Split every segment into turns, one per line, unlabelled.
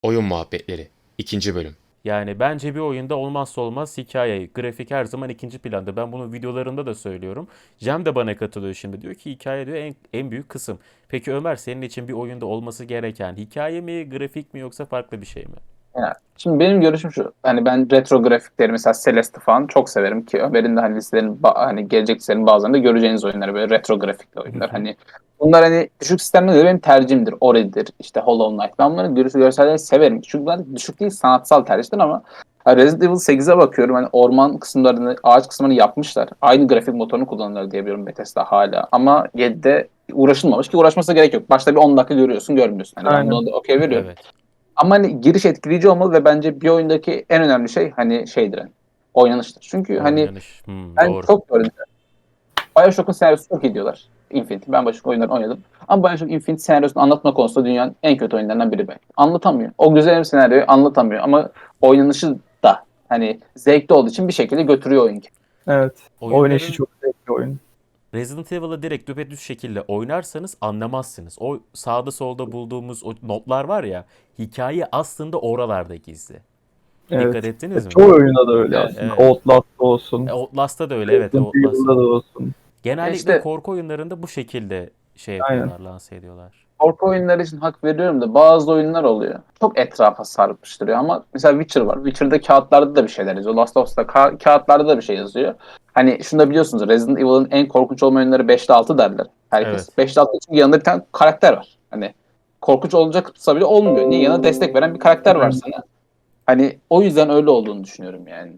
Oyun Muhabbetleri 2. Bölüm.
Yani bence bir oyunda olmazsa olmaz hikaye, grafik her zaman ikinci planda. Ben bunu videolarında da söylüyorum. Cem de bana katılıyor şimdi. Diyor ki hikaye diyor en büyük kısım. Peki Ömer senin için bir oyunda olması gereken hikaye mi, grafik mi yoksa farklı bir şey mi?
Yani, şimdi benim görüşüm şu. Hani ben retro grafikleri mesela Celeste falan çok severim ki Ömer'in de hani hani gelecek listelerin bazılarında göreceğiniz oyunlar böyle retro grafikli oyunlar. Hani bunlar hani düşük sistemde de benim tercihimdir. Ori'dir, işte Hollow Knight. Ben bunları görselleri severim. Çünkü ben düşük değil sanatsal tercihler ama Resident Evil 8'e bakıyorum. Hani orman kısımlarını, ağaç kısmını yapmışlar. Aynı grafik motorunu kullanırlar diye biliyorum Bethesda hala. Ama 7'de uğraşılmamış ki uğraşmasına gerek yok. Başta bir 10 dakika görüyorsun, görmüyorsun. Hani ben
Aynen.
buna da okey veriyorum.
Evet.
Ama hani giriş etkileyici olmalı ve bence bir oyundaki en önemli şey hani şeydir hani oynanıştır. Çünkü hani
Oynanış.
ben
Doğru.
çok gördüm. BioShock'un senaryosu çok iyi diyorlar. Infinity. Ben BioShock oyunlarını oynadım. Ama BioShock Infinity senaryosunu anlatma konusunda dünyanın en kötü oyunlarından biri belki. Anlatamıyor. O güzel bir senaryoyu anlatamıyor ama oynanışı da hani zevkli olduğu için bir şekilde götürüyor oyun.
Evet. Oynayışı
Oyunların
çok zevkli oyun.
Resident Evil'ı direkt düpedüz şekilde oynarsanız anlamazsınız. O sağda solda bulduğumuz o notlar var ya, hikaye aslında oralarda gizli. Dikkat
Evet.
ettiniz mi?
Çoğu oyunda da öyle
Evet.
aslında.
Evet.
Outlast'ta olsun.
Outlast'ta da öyle, evet,
Resident
Outlast'ta
Evil'da
da.
da olsun.
Genellikle
İşte
korku oyunlarında bu şekilde şey
Aynen.
yapıyorlar, lanse ediyorlar.
korku oyunları için hak veriyorum da bazı oyunlar oluyor. Çok etrafa sarmıştırıyor ama mesela Witcher var. Witcher'da kağıtlarda da bir şeyler yazıyor. Last of Us'ta kağıtlarda da bir şey yazıyor. Hani şunu da biliyorsunuz Resident Evil'ın en korkunç olma oyunları 5'te 6 derler herkes.
Evet.
5'te 6 çünkü yanında bir tane karakter var. Hani korkunç olacaksa bile olmuyor. Niye? Yanına destek veren bir karakter var
Aynen.
sana. Hani o yüzden öyle olduğunu düşünüyorum yani.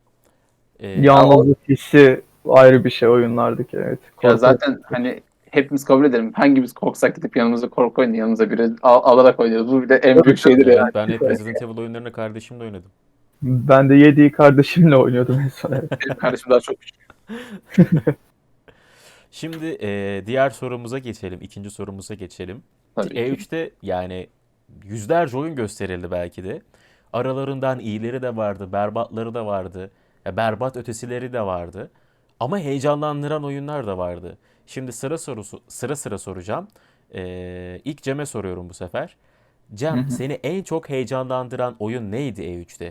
Ya,
Ee,
o,
Yalnızlık hissi ayrı bir şey oyunlardaki. Evet.
ya
Korku.
zaten hani hepimiz kabul edelim. Hangimiz korksak gidip yanımıza korku oyunu yanımıza biri alarak oynuyoruz. Bu bir de en
Tabii,
büyük şeydir
tabii.
yani.
evet, ben hep Resident Evil oyunlarını kardeşimle oynadım.
Ben de 7'yi kardeşimle oynuyordum en son. Evet.
Benim kardeşim daha çok
Şimdi diğer sorumuza geçelim. İkinci sorumuza geçelim.
tabii ki.
E3'te yani yüzlerce oyun gösterildi belki de. Aralarından iyileri de vardı, berbatları da vardı. Ya berbat ötesileri de vardı. Ama heyecanlandıran oyunlar da vardı. Şimdi sıra sıra soracağım. İlk Cem'e soruyorum bu sefer.
Hı
Cem,
hı.
seni en çok heyecanlandıran oyun neydi E3'te?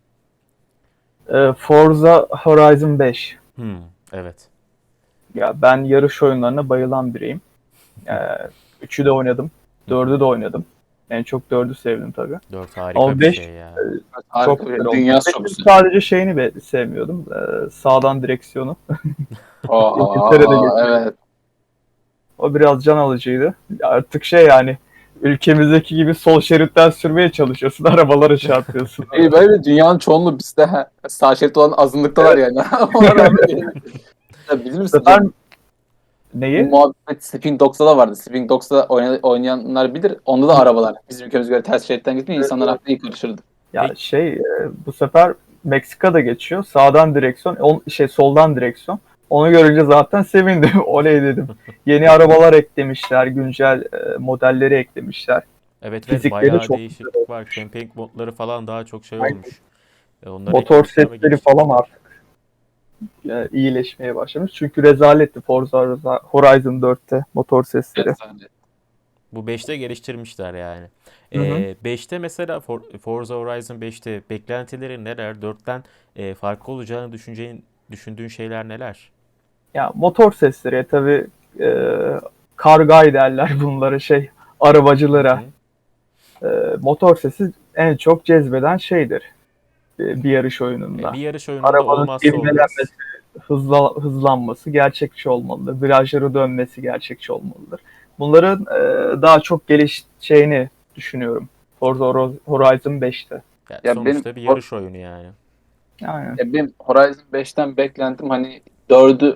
Forza Horizon 5.
Evet.
Ya ben yarış oyunlarına bayılan biriyim. Ee, 3'ü de oynadım. 4'ü de oynadım. En çok 4'ü sevdim tabii.
4 harika
Ama
bir
5
şey ya.
çok
Harika
güzel
bir
oldu.
dünyası çok
5'in
güzel.
sadece şeyini sevmiyordum. Sağdan direksiyonu. İngiltere'de
Aa,
geçiyor.
evet.
O biraz can alıcıydı. Artık yani ülkemizdeki gibi sol şeritten sürmeye çalışıyorsun. Arabalara çarpıyorsun.
İyi, böyle dünyanın çoğunluğu bizde sağ şerit olan azınlıktalar
Evet.
yani. Ona rağmen ya bilir
Bu
misin
sefer
Cem? Bu
neyi?
muhabbet Sleeping Dogs'ta da vardı. Sleeping Dogs'ta oynayanlar bilir. Onda da arabalar. Bizim ülkemize göre ters şeritten gitmiyor.
Evet,
İnsanlar
evet.
aklına iyi karışırdı.
Ya
Peki,
bu sefer Meksika'da geçiyor. Sağdan direksiyon, soldan direksiyon. Onu görünce zaten sevindim. Oley dedim. Yeni arabalar eklemişler, güncel modelleri eklemişler.
evet, evet,
Fizikleri
bayağı
çok güzel
değişiklik var.
olmuş.
Camping modları falan daha çok şey
Aynen.
olmuş. Onları
Motor
eklemişler ve
sesleri falan
geliştirmişler.
artık iyileşmeye başlamış. Çünkü rezaletti Forza Horizon 4'te motor
Evet,
sesleri.
bence.
Bu 5'te geliştirmişler yani.
Hı hı.
5'te mesela Forza Horizon 5'te beklentilerin neler? 4'ten farklı olacağını düşündüğün şeyler neler?
Ya motor sesleri tabii e, kargay derler bunlara
Hı
arabacılara.
hı.
E, Motor sesi en çok cezbeden şeydir bir yarış oyununda.
Bir yarış oyununda
Arabanın
olmazsa olmaz.
ivmelenmesi, hızlanması gerçekçi olmalıdır. Virajları dönmesi gerçekçi olmalıdır. Bunların daha çok gelişeceğini düşünüyorum. Forza Horizon 5'te.
Yani
Ya benim
sonuçta bir yarış oyunu yani.
Yani
benim Horizon 5'ten beklentim hani 4'ü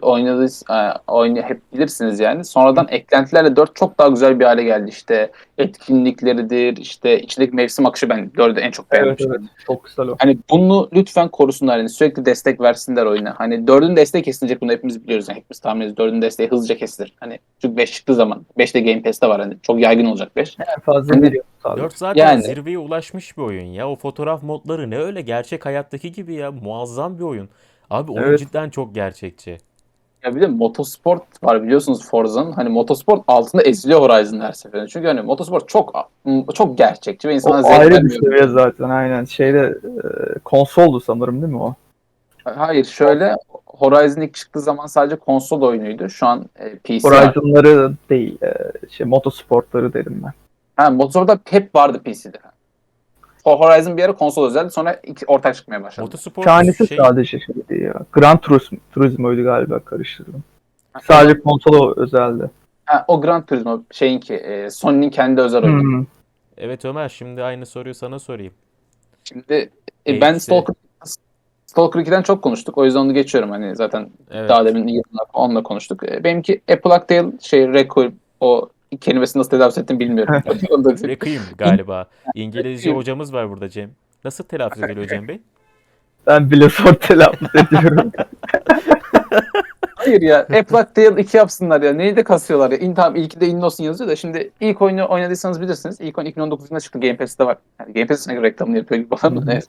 hep bilirsiniz yani. Sonradan eklentilerle 4 çok daha güzel bir hale geldi. İşte etkinlikleridir, işte içindeki mevsim akışı ben 4'ü en çok beğendim.
evet, evet, çok güzel o.
Hani bunu lütfen korusunlar. Yani sürekli destek versinler oyuna. Hani dördün desteği kesilecek, bunu hepimiz biliyoruz. Yani hepimiz tahmin ediyoruz. Dördün desteği hızlıca kesilir. Hani çünkü 5 çıktığı zaman 5 de Game Pass'te var. Hani çok yaygın olacak 5.
En fazla bir
Hani
yıl sadece.
4 zaten
yani
zirveye ulaşmış bir oyun ya. O fotoğraf modları ne öyle gerçek hayattaki gibi ya. Muazzam bir oyun. Abi oyun
Evet.
cidden çok gerçekçi.
Ya bir de motosport var biliyorsunuz Forza'nın. Hani motosport altında eziliyor Horizon her seferinde. Çünkü hani motosport çok gerçekçi ve insana
O
zevk
ayrı bir
vermiyor.
seviye zaten aynen. Konsoldu sanırım değil mi o?
Hayır şöyle Horizon ilk çıktığı zaman sadece konsol oyunuydu. Şu an PC var.
Horizon'ları değil, motosportları dedim ben.
Ha, motosportda hep vardı PC'de. Horizon bir ara konsol özeldi. Sonra ortak çıkmaya başladı.
Motosport
Tanesi
şey
sadece şeydi ya. Gran Turismo'ydu galiba, karıştırdım.
Ha,
Sadece konsola özeldi.
o Gran Turismo şeyinki Sony'nin kendi özel oyunu.
Hmm.
Evet Ömer, şimdi aynı soruyu sana sorayım.
Şimdi ben
Eksi.
Stalker 2'den çok konuştuk. O yüzden onu geçiyorum. Hani zaten
Evet.
daha demin yayınlar onunla konuştuk. Benimki A Plague Tale Requiem, o kelimesini nasıl telaffuz ettim bilmiyorum. Onu da-
Requiem galiba. İngilizce hocamız var burada Cem. Nasıl telaffuz ediliyor Cem Bey?
Ben bile zor telaffuz ediyorum.
Hayır ya. A Plague Tale 2 yapsınlar ya. Neyi de kasıyorlar ya. Tamam ilki de Innos'un yazıyor da şimdi ilk oyunu oynadıysanız bilirsiniz. İlk oyun 2019 yılında çıktı. Game Pass'te var. Yani Game Pass'ine göre reklamını yapıyor gibi falan da neyse.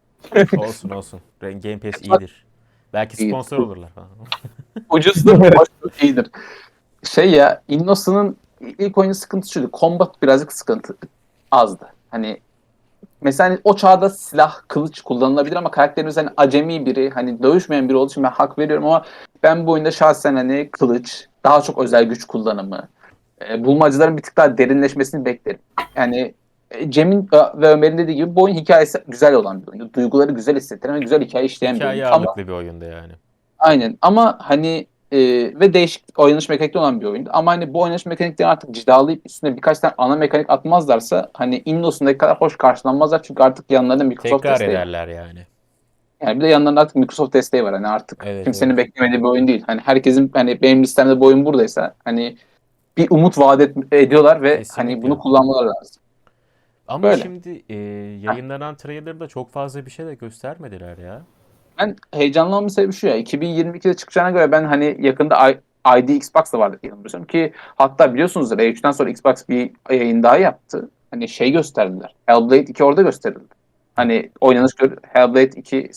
Olsun olsun. Game Pass iyidir. Belki
İyi.
sponsor olurlar falan.
Ucuzdur, hoştur, iyidir. Şey ya, Inno'sunun ilk oyunun sıkıntısı şuydu. Combat birazcık sıkıntı azdı. Hani mesela hani o çağda silah, kılıç kullanılabilir ama karakterimiz hani acemi biri, hani dövüşmeyen biri olduğu için ben hak veriyorum ama ben bu oyunda şahsen hani kılıç, daha çok özel güç kullanımı, bulmacaların bir tık daha derinleşmesini beklerim. Yani Cem'in ve Ömer'in dediği gibi bu oyun hikayesi güzel olan bir oyundu. Duyguları güzel hissettiren ve güzel hikaye işleyen bir oyun.
Hikaye
Ama
ağırlıklı bir oyunda yani.
aynen ama hani ve değişik oynanış mekanikli olan bir oyundu. Ama hani bu oynanış mekanikleri artık cilalayıp üstüne birkaç tane ana mekanik atmazlarsa hani Innos'undaki kadar hoş karşılanmazlar. Çünkü artık yanlarında Microsoft
Tekrar
desteği var.
ederler yani.
Yani bir de yanlarında artık Microsoft desteği var. Hani artık
Evet,
kimsenin
evet.
beklemediği bir oyun değil. Hani herkesin hani benim listemde bu oyun buradaysa hani bir umut ediyorlar ve hani
Kesinlikle.
bunu kullanmaları lazım.
Ama
Böyle.
şimdi yayınlanan trailer'da çok fazla bir şey de göstermediler ya.
Ben heyecanlanmamın sebebi şu ya. 2022'de çıkacağına göre ben hani yakında ID Xbox da vardı diye yanılmıyorsam ki hatta biliyorsunuzdur E3'ten sonra Xbox bir yayın daha yaptı. Hani şey gösterdiler. Hellblade 2 orada gösterildi. Hani oynanış Hellblade 2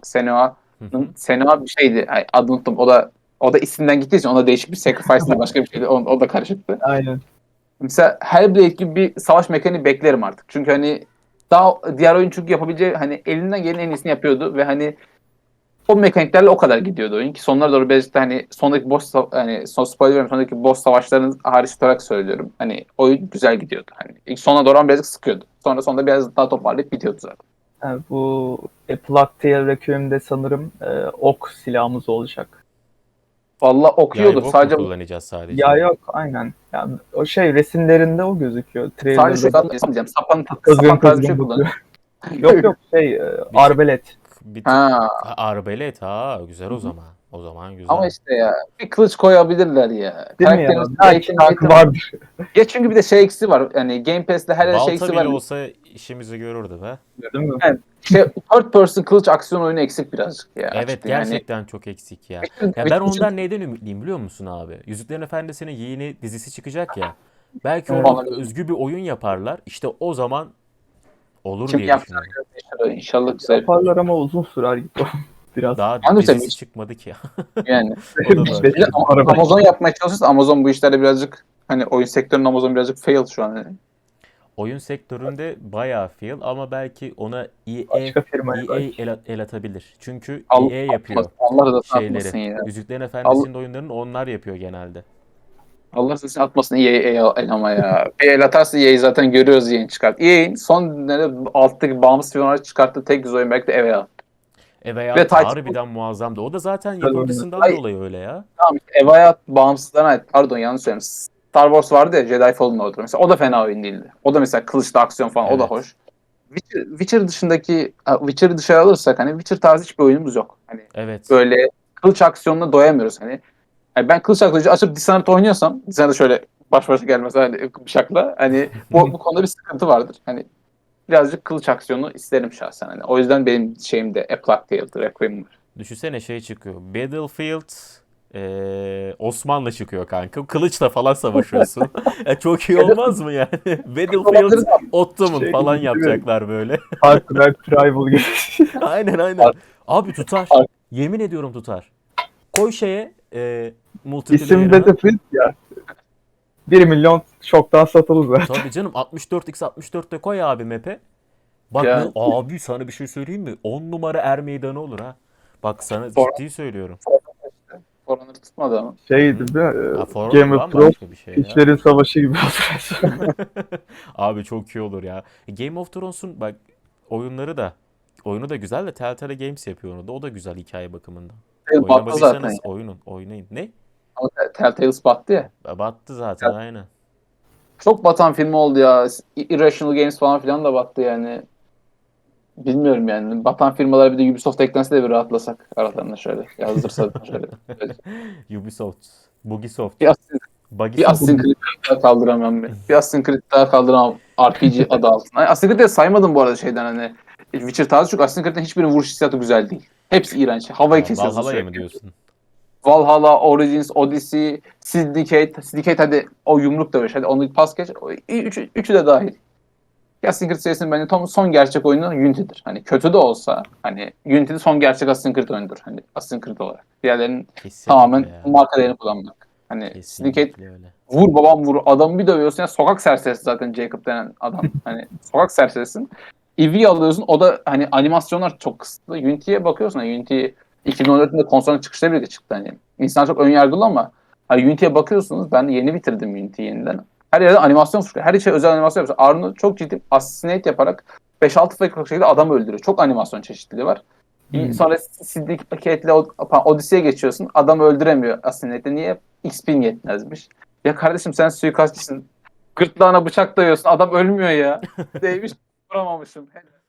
Hı hı.
Senua bir şeydi. Ay, adını unuttum. O da isimden gittiği için ona değişik bir sacrifice diye başka bir şeydi. O da karışıktı.
Aynen.
Mesela Hellblade gibi bir savaş mekaniği beklerim artık. Çünkü hani daha diğer oyun çünkü yapabileceği hani elinden gelen en iyisini yapıyordu ve hani o mekaniklerle o kadar gidiyordu oyun ki sonlara doğru birazcık da hani sondaki hani son spoiler vermem, sondaki boss savaşlarının hariç tutarak söylüyorum. Hani oyun güzel gidiyordu. Hani ilk sona doğru ama birazcık sıkıyordu. Sonunda biraz daha toparlayıp bitiyordu zaten.
Yani bu A Plague Tale Requiem'de sanırım ok silahımız olacak.
Valla okuyordur.
Yaybok mu
Sadece
kullanacağız sadece?
Ya yok, aynen. Yani o resimlerinde o gözüküyor.
sadece şu
Trailer'da
an diyeceğim. Sapan
kızgın
tarzı bir şey
kızgın
kullanıyor.
bakıyor. Yok yok, arbalet.
Bir tık
Ha.
arbelet, güzel o zaman. O zaman güzel.
Ama işte ya bir kılıç koyabilirler ya.
Değil mi ya?
Karakterimiz
Belki hakkı vardır.
Ya çünkü bir de şey eksi var. Yani Game Pass'te her şey
Balta
eksi
bile
var.
olsa işimizi görürdü be.
Değil mi?
Yani third person kılıç aksiyon oyunu eksik birazcık ya.
Evet,
açıkçası. Yani
gerçekten çok eksik ya.
bütün-
Ya ben
bütün-
ondan neyden ümitliyim biliyor musun abi? Yüzüklerin Efendisi'nin yeni dizisi çıkacak ya. Belki
Evet.
orada özgü bir oyun yaparlar. İşte o zaman olur
Kim
diye
yapacağını
düşünüyorum.
göreceğiz. İnşallah güzel.
Yaparlar ama uzun sürer gibi biraz.
Daha
Ben de
dizisi
sevmiş.
çıkmadı ki.
Yani.
O da var.
Bir de Amazon yapmaya çalışırsa Amazon bu işlerde birazcık hani oyun sektörünün Amazon birazcık fail şu an. Yani.
Oyun sektöründe bayağı fail ama belki ona
Başka firmaya
EA
belki.
el atabilir. Çünkü
Allah,
EA yapıyor
Allah da atmasın
şeyleri.
ya.
Yüzüklerin Efendisi'nin oyunlarını onlar yapıyor genelde.
Allah sesini atmasın EA el ama ya. Bir el atarsa EA'yi zaten görüyoruz yayın çıkart. EA'in son günlerde alttaki bağımsız firmalar çıkarttığı tek güzel oyun belki de EVA.
Eve
Ve Titan.
harbiden muazzamdı. O da zaten
Güzel
yapımcısından
oyun.
dolayı öyle ya.
Tamam işte EVA'ya bağımsızlarına ait. Pardon yanlış söyledim. Star Wars vardı ya Jedi Fallen Order. Mesela o da fena oyun değildi. O da mesela kılıçlı aksiyon falan o da
Evet.
hoş. Witcher'ı dışarı alırsak hani Witcher tarzı hiçbir oyunumuz yok. Hani
Evet.
böyle kılıç aksiyonuna doyamıyoruz hani. Yani ben kılıç aksiyonu açıp Dishonored oynuyorsam Dishonored şöyle baş başa gelmez hani bıçakla hani bu konuda bir sıkıntı vardır. Hani birazcık kılıç aksiyonu isterim şahsen hani. O yüzden benim şeyim de A Plague Tale, Requiem var.
Düşünsene şey çıkıyor. Battlefield Osmanlı çıkıyor kanka. Kılıçla falan savaşıyorsun. Çok iyi olmaz mı yani? Battlefield Ottoman
Şey
falan
gibi, değil mi?
yapacaklar böyle.
Far Cry Primal gibi.
Aynen aynen. Abi tutar. Yemin ediyorum tutar. Koy şeye
İsim
multiplayer'ını.
Battlefield ya. 1 milyon çoktan satılır zaten.
Tabii canım 64x64'te koy abi map'e. Bak
Ya.
abi sana bir şey söyleyeyim mi? 10 numara er meydanı olur ha. Bak sana
For-
ciddi söylüyorum.
Koronası tutmadı ama.
Şeydi değil mi?
Ha, For
Game of Thrones
bambaşka bir şey ya.
İşlerin Savaşı gibi oldu.
Abi çok iyi olur ya. Game of Thrones'un bak oyunu da güzel de Telltale Games yapıyor onu da. O da güzel hikaye bakımından.
Battı zaten.
Oynamadıysanız oynayın. Ne?
Ama Telltale's battı ya.
Battı zaten aynen.
Çok batan film oldu ya. Irrational Games falan filan da battı yani. Bilmiyorum yani. Batan firmalar bir de Ubisoft eklense de bir rahatlasak aralarında şöyle. Yazdırsa şöyle.
Ubisoft, Bugisoft,
Bir Assassin's
Bugisoft.
Creed daha kaldıramam ben. Bir Assassin's Creed daha kaldıramam RPG adı altında. Assassin's Creed'i saymadım bu arada şeyden hani. Witcher tarzı çünkü Assassin's Creed'in hiçbirinin vuruş hissiyatı güzel değil. Hepsi iğrenç. Havayı kesiyorsun
Valhalla'ya mı
sürekli.
diyorsun?
Valhalla, Origins, Odyssey, Syndicate hadi o yumruk dövüş. Hadi onu pas geç. Üçü de dahil. Assassin's Creed serisinin bence son gerçek oyunu Unity'dir. Hani kötü de olsa hani Unity'de son gerçek Assassin's Creed oyunudur. Hani Assassin's Creed olarak. Diğerlerinin
Kesinlikle
tamamen
ya.
marka değerini kullanmak. Hani Syndicate
Kesinlikle öyle.
vur babam vur. Adamı bir dövüyorsun. Ya sokak serserisi zaten Jacob denen adam. Hani sokak serserisin. Eevee'yi alıyorsun. O da hani animasyonlar çok kısıtlı. Unity'ye bakıyorsun. Hani Unity 2014'te konsolun çıkışıyla birlikte çıktı. Hani insan çok önyargılı ama hani Unity'ye bakıyorsunuz. Ben yeni bitirdim Unity'yi yeniden. Her yerde animasyon çıkıyor. Her şey özel animasyon yapıyor. Arno çok ciddi assassinate yaparak 5-6 dakikalık şekilde adam öldürüyor. Çok animasyon çeşitliliği var. Sonra Syndicate'le Odyssey'e geçiyorsun. Adam öldüremiyor Assassinate'de. Niye? XP'in yetmezmiş. Ya kardeşim sen suikastçısın. Gırtlağına bıçak dayıyorsun. Adam ölmüyor ya. Değmiş vuramamışım.